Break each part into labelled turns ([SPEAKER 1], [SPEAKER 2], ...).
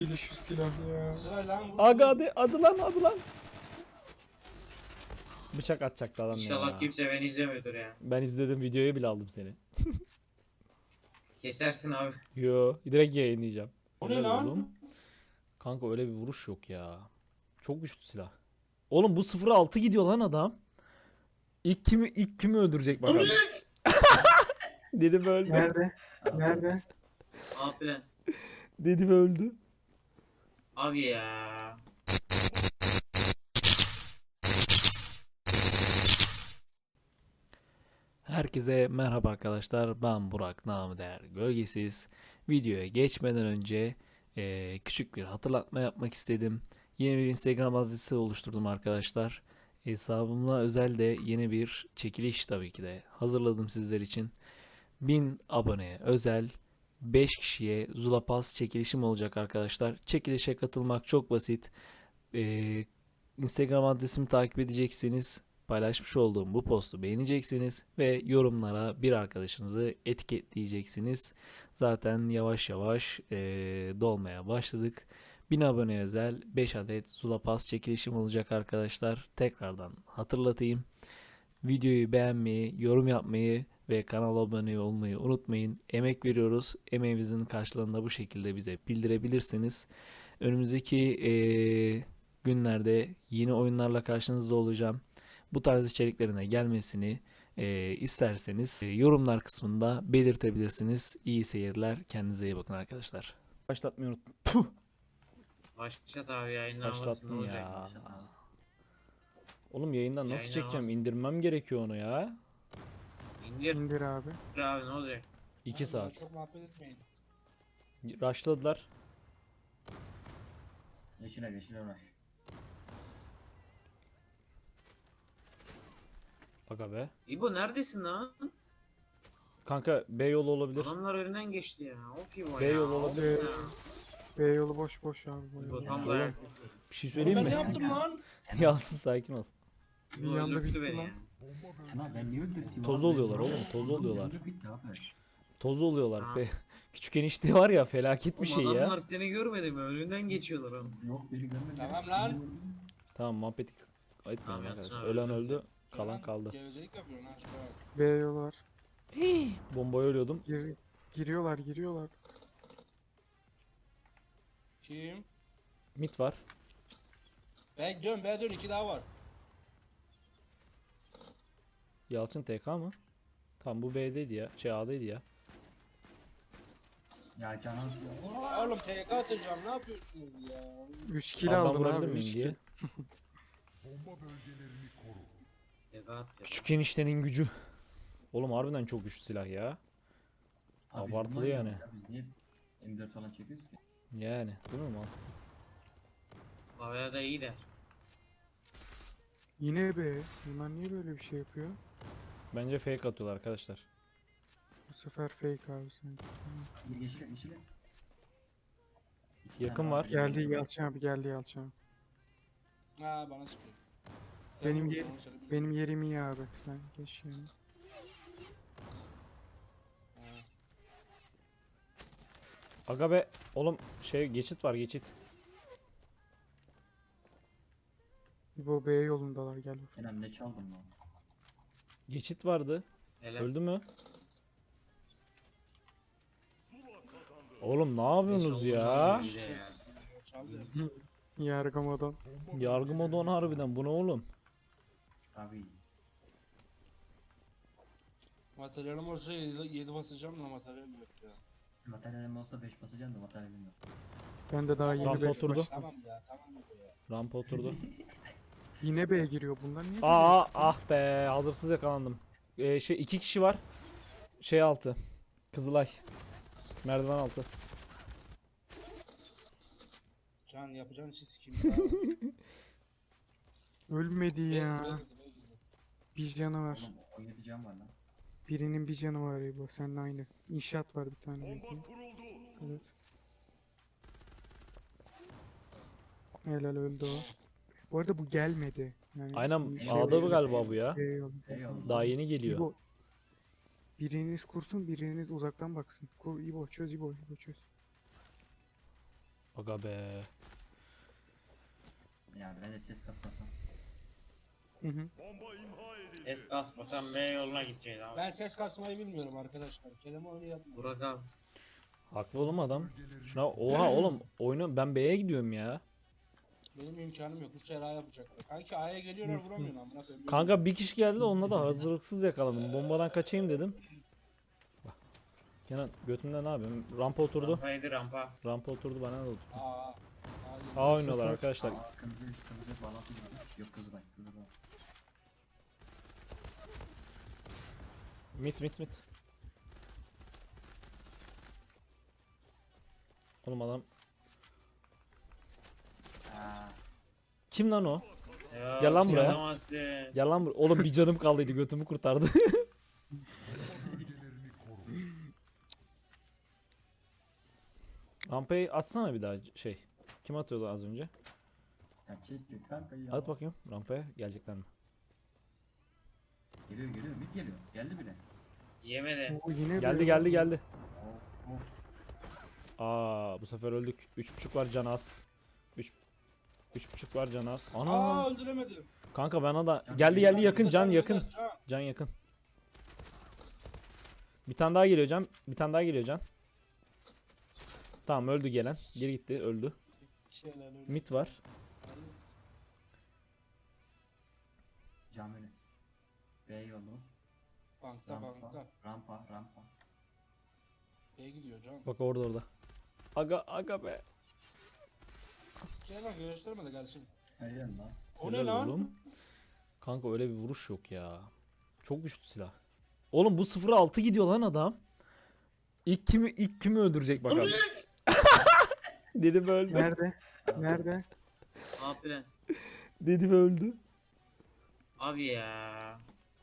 [SPEAKER 1] Şu silah ya.
[SPEAKER 2] Güzel lan.
[SPEAKER 3] Aga adı lan. Bıçak atacaktı adam
[SPEAKER 4] İnşallah
[SPEAKER 3] ya.
[SPEAKER 4] kimse beni izlemiyordur ya.
[SPEAKER 3] Ben izledim, videoyu bile aldım seni.
[SPEAKER 4] Kesersin abi.
[SPEAKER 3] Yo, direkt yayınlayacağım.
[SPEAKER 2] O ne
[SPEAKER 3] Helal
[SPEAKER 2] lan?
[SPEAKER 3] oğlum. Kanka öyle bir vuruş yok ya. Çok güçlü silah. Oğlum bu 0-6 gidiyor lan adam. İlk kimi öldürecek bakalım. Dedim öldü.
[SPEAKER 1] Nerede? Nerede?
[SPEAKER 4] Abi lan.
[SPEAKER 3] Dedim öldü.
[SPEAKER 4] Abi ya.
[SPEAKER 3] Herkese merhaba arkadaşlar. Ben Burak, namı değer Gölgesiz. Videoya geçmeden önce küçük bir hatırlatma yapmak istedim. Yeni bir Instagram adresi oluşturdum arkadaşlar. Hesabımla özel de yeni bir çekiliş tabii ki de hazırladım sizler için. 1000 aboneye özel 5 kişiye Zula Pass çekilişim olacak arkadaşlar. Çekilişe katılmak çok basit. Instagram adresimi takip edeceksiniz. Paylaşmış olduğum bu postu beğeneceksiniz ve yorumlara bir arkadaşınızı etiketleyeceksiniz. Zaten yavaş yavaş dolmaya başladık. 1000 abone özel 5 adet Zula Pass çekilişim olacak arkadaşlar. Tekrardan hatırlatayım. Videoyu beğenmeyi, yorum yapmayı ve kanala abone olmayı unutmayın. Emek veriyoruz. Emeğimizin karşılığını da bu şekilde bize bildirebilirsiniz. Önümüzdeki günlerde yeni oyunlarla karşınızda olacağım. Bu tarz içeriklerine gelmesini isterseniz yorumlar kısmında belirtebilirsiniz. İyi seyirler. Kendinize iyi bakın arkadaşlar. Başlatmayı unuttum. Puh!
[SPEAKER 4] Başlat abi yayınlanmasın ne
[SPEAKER 3] Başlattım
[SPEAKER 4] olacak?
[SPEAKER 3] ya. Oğlum yayından nasıl
[SPEAKER 4] Yayınlamaz.
[SPEAKER 3] çekeceğim? İndirmem gerekiyor onu ya.
[SPEAKER 4] İndir
[SPEAKER 1] İndir abi.
[SPEAKER 4] abi ne olacak?
[SPEAKER 3] 2 saat.
[SPEAKER 2] Çok muhabbet etmeyin.
[SPEAKER 3] Rushladılar.
[SPEAKER 5] Yeşile uğraş.
[SPEAKER 3] Aga be.
[SPEAKER 4] İbo neredesin lan?
[SPEAKER 3] Kanka B yolu olabilir.
[SPEAKER 4] Adamlar önünden geçti ya. Of İbo
[SPEAKER 3] B
[SPEAKER 4] ya.
[SPEAKER 3] yolu
[SPEAKER 4] of
[SPEAKER 3] olabilir.
[SPEAKER 4] ya.
[SPEAKER 1] B yolu boş abi.
[SPEAKER 4] İbo tam
[SPEAKER 3] Oğlum.
[SPEAKER 4] dayak.
[SPEAKER 3] Bir şey söyleyeyim
[SPEAKER 2] Ben
[SPEAKER 3] mi?
[SPEAKER 2] ne yaptım lan?
[SPEAKER 3] Yalçın sakin ol.
[SPEAKER 1] Bir
[SPEAKER 4] İbo
[SPEAKER 1] anda
[SPEAKER 4] öldürttü
[SPEAKER 1] bitti
[SPEAKER 4] beni
[SPEAKER 1] lan.
[SPEAKER 4] ya.
[SPEAKER 5] Ama ben niye öldürteyim
[SPEAKER 3] Toz
[SPEAKER 5] abi?
[SPEAKER 3] oluyorlar oğlum, toz
[SPEAKER 5] Oğlum,
[SPEAKER 3] oluyorlar.
[SPEAKER 5] ömrü bitti abi.
[SPEAKER 3] Toz oluyorlar
[SPEAKER 4] Ha.
[SPEAKER 3] be. Küçük enişte var ya, felaket bir şey
[SPEAKER 4] Oğlum
[SPEAKER 3] ya.
[SPEAKER 4] adamlar seni görmedi mi? Önünden geçiyorlar oğlum.
[SPEAKER 5] Yok beni görmedi.
[SPEAKER 2] Tamam lan.
[SPEAKER 3] Tamam, muhabbeti ayıpmayalım
[SPEAKER 4] Tamam,
[SPEAKER 3] arkadaşlar.
[SPEAKER 4] yatsın abi,
[SPEAKER 3] Ölen
[SPEAKER 4] özür
[SPEAKER 3] öldü, kalan
[SPEAKER 2] Lan,
[SPEAKER 3] kaldı.
[SPEAKER 2] Gevezelik yapıyorsun ha. şuraya bak.
[SPEAKER 1] B yolu var.
[SPEAKER 3] Bombaya ölüyordum.
[SPEAKER 1] Giriyorlar.
[SPEAKER 2] Kim?
[SPEAKER 3] Mit var.
[SPEAKER 2] B dön 2 daha var.
[SPEAKER 3] Yalçın TK mı? Tam bu B'deydi ya. A'daydı ya.
[SPEAKER 5] Ya canan.
[SPEAKER 2] Oğlum TK atacağım ne yapıyorsunuz ya?
[SPEAKER 1] 3 kill
[SPEAKER 3] Abi ben
[SPEAKER 1] aldım
[SPEAKER 3] vurabilir
[SPEAKER 1] abi.
[SPEAKER 3] miyim
[SPEAKER 1] 3
[SPEAKER 3] diye.
[SPEAKER 1] kill.
[SPEAKER 4] Tekat
[SPEAKER 3] Küçük eniştenin gücü. Oğlum harbiden çok güçlü silah ya.
[SPEAKER 5] Abi
[SPEAKER 3] Abartılı
[SPEAKER 5] bunlar
[SPEAKER 3] yani.
[SPEAKER 5] ya, Biz niye M4 falan çekiyoruz ki?
[SPEAKER 3] Yani değil mi mantıklı?
[SPEAKER 4] Havaya da iyi de.
[SPEAKER 1] Yine B. Bunlar niye böyle bir şey yapıyor?
[SPEAKER 3] Bence fake atıyorlar arkadaşlar.
[SPEAKER 1] Bu sefer fake abi sanki.
[SPEAKER 5] Yeşile.
[SPEAKER 3] Yakın var.
[SPEAKER 1] Geldi Yalçın abi Yalçın abi.
[SPEAKER 2] Ha bana sıkıyor.
[SPEAKER 1] Benim
[SPEAKER 2] Gel,
[SPEAKER 1] yerim-
[SPEAKER 2] onu söyle, bilmiyorum.
[SPEAKER 1] Benim yerim iyi abi. Sen geç yani.
[SPEAKER 2] Ha.
[SPEAKER 3] Aga be. Oğlum geçit var, geçit.
[SPEAKER 1] Bu B yolundalar gel.
[SPEAKER 5] Kenan ne çaldın lan?
[SPEAKER 3] Geçit vardı.
[SPEAKER 4] Hele.
[SPEAKER 3] Öldü mü? Oğlum ne yapıyorsunuz ya?
[SPEAKER 2] Çaldı.
[SPEAKER 1] Yargamadan.
[SPEAKER 3] Yargı modu on harbiden. Bu ne oğlum?
[SPEAKER 5] Abi.
[SPEAKER 2] Materyalim olsa 7 basacağım da materyalim yok ya.
[SPEAKER 5] Materyalim olsa 5 basacağım da materyalim yok.
[SPEAKER 1] Ben de daha
[SPEAKER 3] Rampa
[SPEAKER 1] yeni 5
[SPEAKER 3] oturdu.
[SPEAKER 1] başladım.
[SPEAKER 2] Tamam ya tamam ya.
[SPEAKER 3] Rampa oturdu.
[SPEAKER 1] Yine B giriyor bunlar niye?
[SPEAKER 3] Aa ah be, hazırsız yakalandım. 2 kişi var. Altı. Kızılay. Merdiven altı.
[SPEAKER 2] Can yapacağın işi sikeyim.
[SPEAKER 1] Ölmedi ya.
[SPEAKER 2] Ya.
[SPEAKER 1] Bir canı var.
[SPEAKER 5] Oğlum 17 can var lan.
[SPEAKER 1] Birinin bir canı var bu. Seninle aynı. İnşaat var bir tane. belki. Evet. Helal öldü o. Bu arada bu gelmedi. Yani
[SPEAKER 3] Aynen,
[SPEAKER 1] bu
[SPEAKER 3] A'da
[SPEAKER 1] oldu.
[SPEAKER 3] bu galiba bu ya.
[SPEAKER 1] B yolu.
[SPEAKER 5] Eyvallah.
[SPEAKER 3] Daha yeni geliyor.
[SPEAKER 1] İbo. Biriniz kursun, biriniz uzaktan baksın. Kur İbo, çöz İbo, İbo çöz.
[SPEAKER 3] Aga be.
[SPEAKER 5] Ya ben de ses kasmasam.
[SPEAKER 1] Hı hı.
[SPEAKER 4] Es kasmasam B yoluna gideceğiz abi.
[SPEAKER 2] Ben ses kasmayı bilmiyorum arkadaşlar. Kelime oyunu yapmıyorum.
[SPEAKER 4] Burak abi.
[SPEAKER 3] Haklı oğlum adam. Şuna oha oğlum oyunu ben B'ye gidiyorum ya.
[SPEAKER 2] Benim imkanım yok. 3 A yapacaklar. Kanki A'ya geliyorlar vuramıyorum amına koyayım.
[SPEAKER 3] Kanka bir kişi geldi de onunla da hazırlıksız yakaladım. Bombadan kaçayım dedim. Bak. Kenan götümde ne yapayım? Rampa oturdu.
[SPEAKER 4] Rampaydı rampa.
[SPEAKER 3] Rampa oturdu bana da oturdu.
[SPEAKER 2] Aa.
[SPEAKER 3] A oynuyorlar arkadaşlar.
[SPEAKER 5] Aa, kırmızı bağlantı gibi. Yok Kızılay. Kızılay.
[SPEAKER 3] Mit. Oğlum adam.
[SPEAKER 5] Aa,
[SPEAKER 3] Kim lan o?
[SPEAKER 4] Ya,
[SPEAKER 3] Gel lan buraya.
[SPEAKER 4] çalamazsın.
[SPEAKER 3] Gel lan oğlum bir canım kaldıydı götümü kurtardı. Rampayı atsana bir daha şey. Kim atıyordu az önce?
[SPEAKER 5] ya çekti kanka ya.
[SPEAKER 3] At bakayım rampaya gelecekler mi?
[SPEAKER 5] Geliyor mid geliyor. Geldi bile.
[SPEAKER 4] Yemedi.
[SPEAKER 1] Oo, yine
[SPEAKER 3] Geldi.
[SPEAKER 5] Oh, oh.
[SPEAKER 3] Aa bu sefer öldük. 3.5 var can az. 3.5 var can az. Ana.
[SPEAKER 2] Aa öldüremedim.
[SPEAKER 3] Kanka bana da
[SPEAKER 5] Can
[SPEAKER 3] geldi
[SPEAKER 5] geliyor.
[SPEAKER 3] yakın can
[SPEAKER 2] Can,
[SPEAKER 3] yakın.
[SPEAKER 2] can.
[SPEAKER 3] Can yakın. Bir tane daha geliyor can. Bir tane daha geliyor can. Tamam öldü gelen. Geri gitti öldü.
[SPEAKER 2] Şeyler öldü.
[SPEAKER 3] Mit var.
[SPEAKER 5] Cam önü. B yolu.
[SPEAKER 2] Bankta
[SPEAKER 5] Rampa.
[SPEAKER 2] bankta.
[SPEAKER 5] Rampa.
[SPEAKER 2] B'ye gidiyor can.
[SPEAKER 3] Bak orada. Aga be.
[SPEAKER 2] Şey lan gösterme de gelsin.
[SPEAKER 5] Helal lan.
[SPEAKER 2] O ne
[SPEAKER 3] Helal
[SPEAKER 2] lan?
[SPEAKER 3] oğlum. Kanka öyle bir vuruş yok ya. Çok güçlü silah. Oğlum bu 0-6 gidiyor lan adam. İlk kimi öldürecek bakalım. Dedim öldü.
[SPEAKER 1] Nerede? Nerede?
[SPEAKER 4] Abi lan.
[SPEAKER 3] Dedim öldü.
[SPEAKER 4] Abi ya.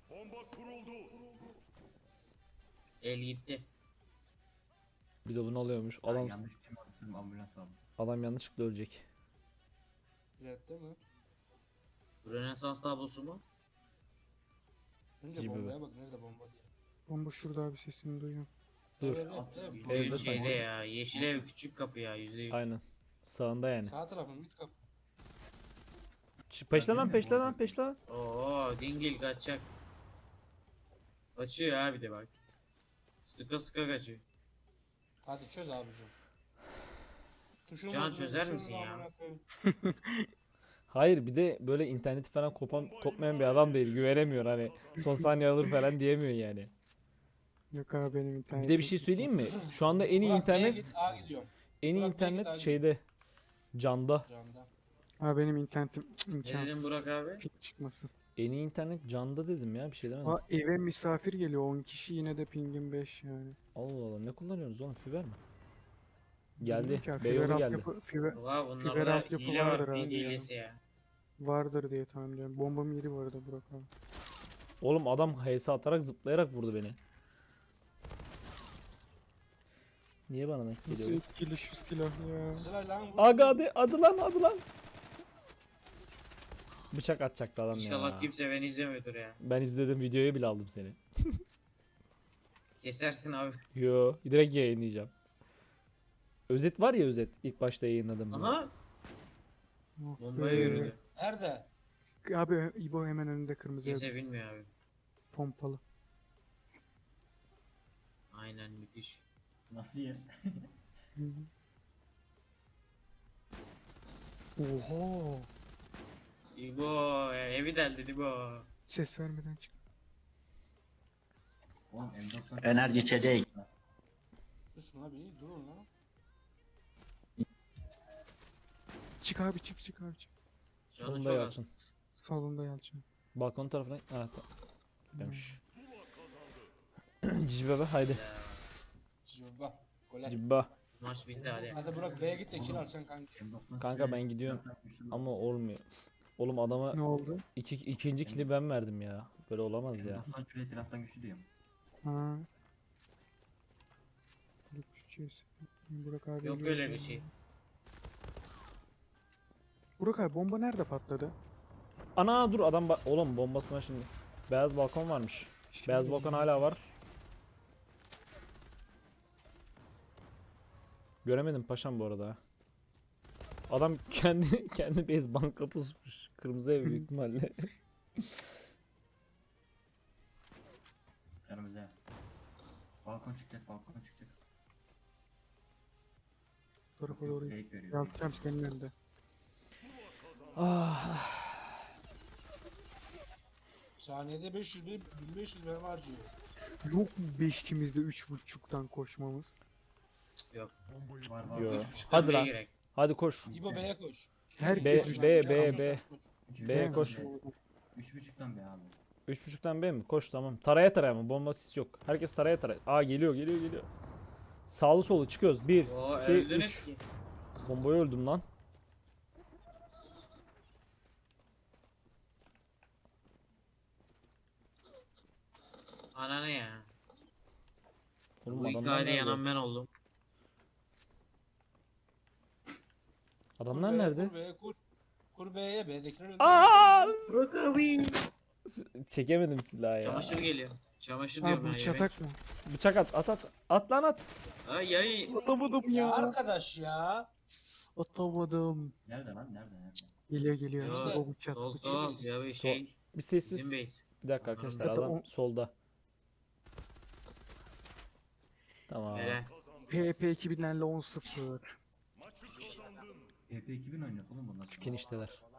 [SPEAKER 4] El gitti.
[SPEAKER 3] Bir de bunu alıyormuş.
[SPEAKER 5] Adam
[SPEAKER 3] Adam
[SPEAKER 5] yanlış tim orası ambulans aldı.
[SPEAKER 3] adam yanlışlıkla ölecek.
[SPEAKER 2] Red'de mi?
[SPEAKER 4] Rönesans tablosu mu?
[SPEAKER 2] Önce
[SPEAKER 3] Gibi
[SPEAKER 2] bombaya bak nerede bomba diye.
[SPEAKER 1] Bomba şurada abi sesini duyuyorum.
[SPEAKER 3] Dur.
[SPEAKER 2] Evet,
[SPEAKER 4] Bu
[SPEAKER 3] Evde
[SPEAKER 4] şeyde
[SPEAKER 3] sanki.
[SPEAKER 4] ya. Yeşil ev küçük kapı ya %100.
[SPEAKER 3] Aynen. Sağında yani.
[SPEAKER 2] Sağ tarafın mid kapı.
[SPEAKER 3] Peşle lan.
[SPEAKER 4] Oo dingil kaçacak. Kaçıyor abi de bak. Sıka kaçıyor.
[SPEAKER 2] Hadi çöz abicim. Tuşunu
[SPEAKER 4] Can
[SPEAKER 2] vur,
[SPEAKER 4] çözer
[SPEAKER 2] tuşunu
[SPEAKER 4] misin ya?
[SPEAKER 2] amına koyayım.
[SPEAKER 3] Hayır bir de böyle interneti falan kopmayan bir adam değil. Güvenemiyor hani. Son saniye alır falan diyemiyor yani.
[SPEAKER 1] Yok abi benim
[SPEAKER 3] Bir
[SPEAKER 1] internet.
[SPEAKER 3] de bir şey söyleyeyim mi? Şu anda en iyi
[SPEAKER 2] Burak, B'ye
[SPEAKER 3] internet
[SPEAKER 2] git, A gidiyorum.
[SPEAKER 3] en iyi
[SPEAKER 2] Burak, B'ye git,
[SPEAKER 3] internet
[SPEAKER 2] A
[SPEAKER 3] şeyde Canda.
[SPEAKER 2] Canda.
[SPEAKER 1] Abi benim internetim
[SPEAKER 4] Ne dedin
[SPEAKER 1] imkansız.
[SPEAKER 4] Burak abi?
[SPEAKER 1] Ping çıkmasın.
[SPEAKER 3] En iyi internet Canda dedim ya bir şey demedim.
[SPEAKER 1] Aa, eve misafir geliyor 10 kişi yine de pingim 5 yani.
[SPEAKER 3] Allah Allah ne kullanıyorsunuz oğlum fiber mi? Geldi.
[SPEAKER 1] Bilmiyorum ki abi,
[SPEAKER 3] Beyoğlu
[SPEAKER 1] fiber
[SPEAKER 3] geldi.
[SPEAKER 1] altyapı- fiber
[SPEAKER 4] Valla
[SPEAKER 1] Fiber
[SPEAKER 4] bunlarda
[SPEAKER 1] altyapı
[SPEAKER 4] hile
[SPEAKER 1] vardır
[SPEAKER 4] var.
[SPEAKER 1] abi
[SPEAKER 4] Ping
[SPEAKER 1] ya.
[SPEAKER 4] hilesi ya.
[SPEAKER 1] vardır diye tahmin ediyorum. Bombam yeri bu arada Burak abi.
[SPEAKER 3] Oğlum adam HS atarak zıplayarak vurdu beni. Niye bana denk
[SPEAKER 1] Nasıl
[SPEAKER 3] geliyor?
[SPEAKER 1] etkili şu silah ya.
[SPEAKER 2] Kızılay lan vur.
[SPEAKER 3] Aga adı lan. Bıçak atacaktı adam
[SPEAKER 4] İnşallah
[SPEAKER 3] ya.
[SPEAKER 4] kimse beni izlemiyordur ya.
[SPEAKER 3] Ben izledim videoyu bile aldım seni.
[SPEAKER 4] Kesersin abi.
[SPEAKER 3] Yo direkt yayınlayacağım. Özet var ya özet ilk başta yayınladım. bunu.
[SPEAKER 4] Aha.
[SPEAKER 1] Oh
[SPEAKER 4] Bombaya
[SPEAKER 1] be.
[SPEAKER 4] yürüdü.
[SPEAKER 2] Nerede?
[SPEAKER 1] Abi İbo hemen önünde kırmızı ev
[SPEAKER 4] Kimse bilmiyor abi.
[SPEAKER 1] pompalı.
[SPEAKER 4] Aynen müthiş.
[SPEAKER 5] Nasıl yer?
[SPEAKER 1] Hı hı. Oha.
[SPEAKER 4] İbo evi deldi İbo.
[SPEAKER 1] Ses vermeden çık.
[SPEAKER 5] Oğlum M90.
[SPEAKER 6] Enerji içeceği.
[SPEAKER 2] Üstüne bir durun lan.
[SPEAKER 1] Çık abi çık abi çık.
[SPEAKER 4] Canı
[SPEAKER 3] Sonunda
[SPEAKER 4] çok az.
[SPEAKER 3] Yalçın.
[SPEAKER 1] Salonda Yalçın.
[SPEAKER 3] Balkon tarafına. Ha demiş. Cici bebe haydi.
[SPEAKER 4] Ya,
[SPEAKER 2] Cıvba. Gole.
[SPEAKER 3] Cibba.
[SPEAKER 4] maç bizde hadi.
[SPEAKER 2] Hadi Burak B'ye git de kill alsan kanki.
[SPEAKER 5] M90
[SPEAKER 3] Kanka ben gidiyorum. Ama olmuyor. Oğlum adama
[SPEAKER 1] Ne oldu?
[SPEAKER 3] ikinci kili ben verdim ya. Böyle olamaz ya.
[SPEAKER 5] M90 küre silahtan güçlü diyorum.
[SPEAKER 1] Ha. Burak abi.
[SPEAKER 4] Yok öyle bir şey.
[SPEAKER 1] Burak abi bomba nerede patladı?
[SPEAKER 3] Ana dur adam oğlum bombasına şimdi. Beyaz balkon varmış. Beyaz balkon hala var. Göremedim paşam bu arada. Adam kendi base banka pusmuş. Kırmızı ev büyük ihtimalle.
[SPEAKER 5] Yanımıza. Balkon çıkacak, balkon çıkacak.
[SPEAKER 1] Bu tarafa doğru
[SPEAKER 5] Fake veriyor.
[SPEAKER 1] yaltacağım senin önünde.
[SPEAKER 2] Saniyede 1500 mermi harcıyor.
[SPEAKER 1] Yok mu 5 ikimizde 3.5'tan koşmamız?
[SPEAKER 5] Var var.
[SPEAKER 3] Yo.
[SPEAKER 4] 3.5'tan
[SPEAKER 3] Hadi
[SPEAKER 4] B'ye
[SPEAKER 3] lan.
[SPEAKER 4] girek.
[SPEAKER 3] Hadi koş.
[SPEAKER 2] İbo B'ye koş.
[SPEAKER 1] Herkes
[SPEAKER 3] B,
[SPEAKER 1] üç
[SPEAKER 3] B,
[SPEAKER 1] buçuk.
[SPEAKER 3] B, B.
[SPEAKER 5] Üç
[SPEAKER 3] B'ye
[SPEAKER 5] buçuktan
[SPEAKER 3] koş.
[SPEAKER 5] B. 3.5'tan B abi.
[SPEAKER 3] 3.5'tan B mi? Koş tamam. Taraya ama bomba sis yok. Herkes taraya. Aa geliyor. Sağlı solu çıkıyoruz. 1,
[SPEAKER 4] Oo
[SPEAKER 3] 2,
[SPEAKER 4] öldünüz
[SPEAKER 3] 3.
[SPEAKER 4] ki.
[SPEAKER 3] Bombaya öldüm lan.
[SPEAKER 4] Ananı ya.
[SPEAKER 3] Oğlum
[SPEAKER 4] Bu
[SPEAKER 3] adamlar
[SPEAKER 4] hikayede
[SPEAKER 3] nerede?
[SPEAKER 4] yanan ben oldum.
[SPEAKER 3] Adamlar nerede?
[SPEAKER 2] Kur B'ye kur. Kur B'ye B'dekiler öldü.
[SPEAKER 3] Aa!
[SPEAKER 4] Burak abi.
[SPEAKER 3] Çekemedim silahı ya.
[SPEAKER 4] Çamaşır geliyor. Çamaşır
[SPEAKER 1] Ha
[SPEAKER 4] diyorum
[SPEAKER 1] bu
[SPEAKER 4] ya yemek.
[SPEAKER 1] çatak mı?
[SPEAKER 3] Bıçak at. At lan at.
[SPEAKER 4] Ay ay.
[SPEAKER 1] Atamadım
[SPEAKER 2] Ya
[SPEAKER 1] ya.
[SPEAKER 2] arkadaş ya.
[SPEAKER 1] Atamadım.
[SPEAKER 5] Nerede lan? Nerede?
[SPEAKER 1] Geliyor.
[SPEAKER 2] Yo,
[SPEAKER 1] O bıçak.
[SPEAKER 4] Sol
[SPEAKER 1] bıçak.
[SPEAKER 4] sol. Ya bir şey.
[SPEAKER 3] Bir sessiz.
[SPEAKER 4] Bizim base.
[SPEAKER 3] Bir dakika arkadaşlar
[SPEAKER 1] Zaten
[SPEAKER 3] adam
[SPEAKER 1] o-
[SPEAKER 3] solda. Tamam.
[SPEAKER 4] Hele.
[SPEAKER 1] PP 2000'lerle 10-0.
[SPEAKER 5] PP 2000 oynuyor oğlum bunlar.
[SPEAKER 3] Küçük enişteler.